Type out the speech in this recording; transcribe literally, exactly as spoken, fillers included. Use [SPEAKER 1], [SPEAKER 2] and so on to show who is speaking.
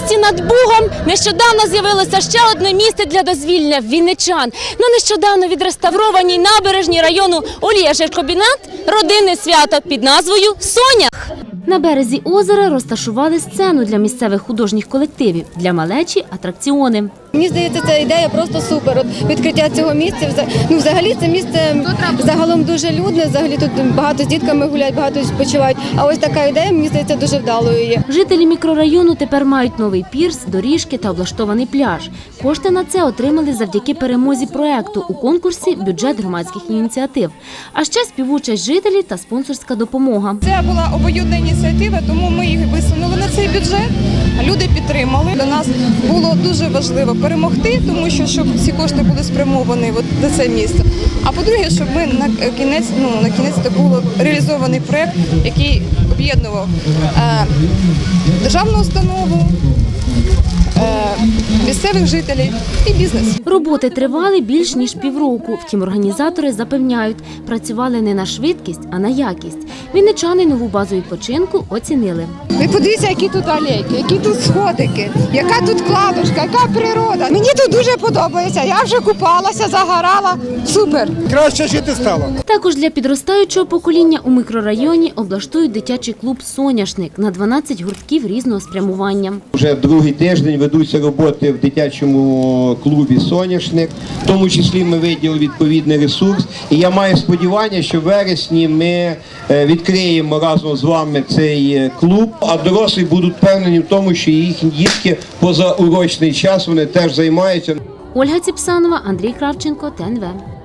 [SPEAKER 1] місті над Бугом нещодавно з'явилося ще одне місце для дозвілля вінничан. На нещодавно відреставрованій набережній району Олія-Жиркобінат родинне свято під назвою «Сонях». На березі озера розташували сцену для місцевих художніх колективів, для малечі – атракціони.
[SPEAKER 2] Мені здається, ця ідея просто супер. От відкриття цього місця, ну взагалі це місце загалом дуже людне, взагалі тут багато з дітками гуляють, багато відпочивають. А ось така ідея, мені здається, дуже вдалою є.
[SPEAKER 1] Жителі мікрорайону тепер мають новий пірс, доріжки та облаштований пляж. Кошти на це отримали завдяки перемозі проекту у конкурсі «Бюджет громадських ініціатив». А ще співучасть жителів та спонсорська допомога.
[SPEAKER 3] Це була обоюдна ініціатива, тому ми їх висунули на цей бюджет. Люди підтримали. Для нас було дуже важливо перемогти, тому що щоб ці кошти були спрямовані от на це місце. А по-друге, щоб ми на кінець, ну на кінець це був реалізований проект, який об'єднував е, державну установу, е, місцевих жителів і бізнес.
[SPEAKER 1] Роботи тривали більш ніж півроку. Втім, організатори запевняють, працювали не на швидкість, а на якість. Вінничани нову базу відпочинку оцінили.
[SPEAKER 4] Ви подивіться, які тут алейки, які тут сходики, яка тут кладочка, яка природа. Мені тут дуже подобається. Я вже купалася, загорала. Супер!
[SPEAKER 5] Краще жити стало.
[SPEAKER 1] Також для підростаючого покоління у мікрорайоні облаштують дитячий клуб «Соняшник» на дванадцять гуртків різного спрямування.
[SPEAKER 6] Вже другий тиждень ведуться роботи в дитячому клубі «Соняшник». В тому числі ми виділили відповідний ресурс. І я маю сподівання, що в вересні ми відкриємо разом з вами цей клуб, а дорослі будуть впевнені в тому, що їхні дітки позаурочний час вони теж займаються.
[SPEAKER 1] Ольга Ціпсанова, Андрій Кравченко, ТНВ.